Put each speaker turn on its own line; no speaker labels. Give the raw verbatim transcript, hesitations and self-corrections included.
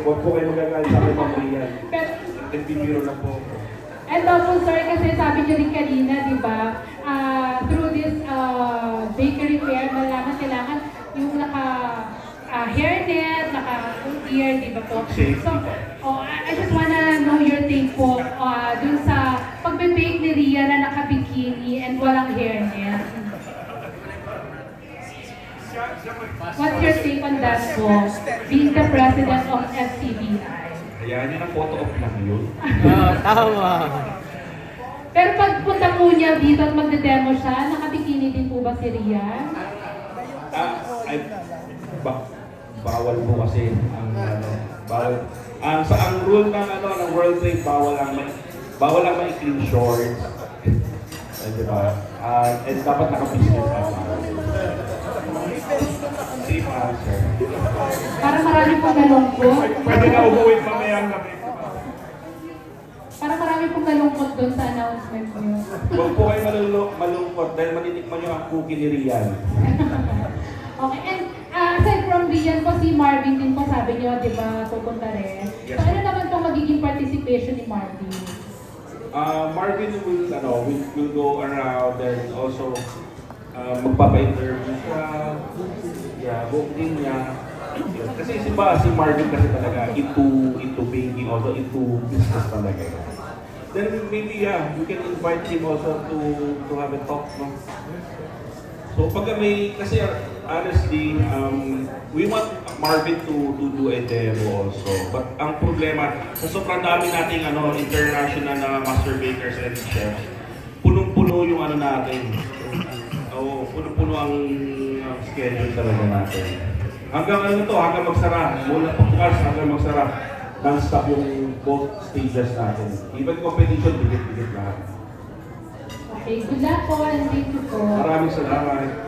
huwag po kayo magagalit sa akin, Ma'am Rian.
Pero,
Nagpipiro na po ako.
and also, sir, kasi sabi niyo rin kanina, di ba, ah, through this ah, bakery fair, malaman kailangan yung naka ah, hairnet, naka ear, di ba po?
Safety
So,
po.
oh, I I just wanna know your take po ah, dun sa pagbe-bake ni Ria na naka-bikini and walang hairnet. What's your take on that po, being the president of F C B I?
Hayaan niyo na photo op lang yun.
Ah, tama.
Pero pagpunta po niya dito at magde-demo siya, nakabikini din po ba si Ria?
Ah, ay, ba, bawal po kasi ang ano, bawal. Ang sa ang rule ng ano ng World Trade bawal ang may bawal ang maikling shorts. Ay, di ba? Ah, and dapat naka-business attire. Safe answer.
Parang marami pong nalungkot.
Pwede na umuwi mamaya ang gabi.
Parang marami pong nalungkot doon sa announcement niyo.
Huwag po kayo malulung malungkot dahil matitikman niyo ang cookie ni Rian.
Okay, and uh, aside from Rian po, si Marvin din po sabi niyo, di ba, pupunta rin.
Yes.
So ano naman pong magiging participation ni Marvin?
Uh, Marvin will, ano, will, will go around and also uh, magpapa-interview siya. Yeah, book din niya. Yes. Kasi si ba, si Marvin kasi talaga into into baking, also into business talaga. Then maybe yeah, you can invite him also to to have a talk, no? So pag may, kasi honestly, um, we want Marvin to to do a demo also. But ang problema, sa sobrang dami nating ano, international na master bakers and chefs, punong-puno yung ano natin. Oo, punong-puno ang ang schedule talaga natin. Hanggang ano to, hanggang magsara. Mula pagbukas hanggang magsara. Non-stop yung both stages natin. Even competition, bigit-bigit lahat.
Okay, good luck po and thank you po.
Maraming salamat.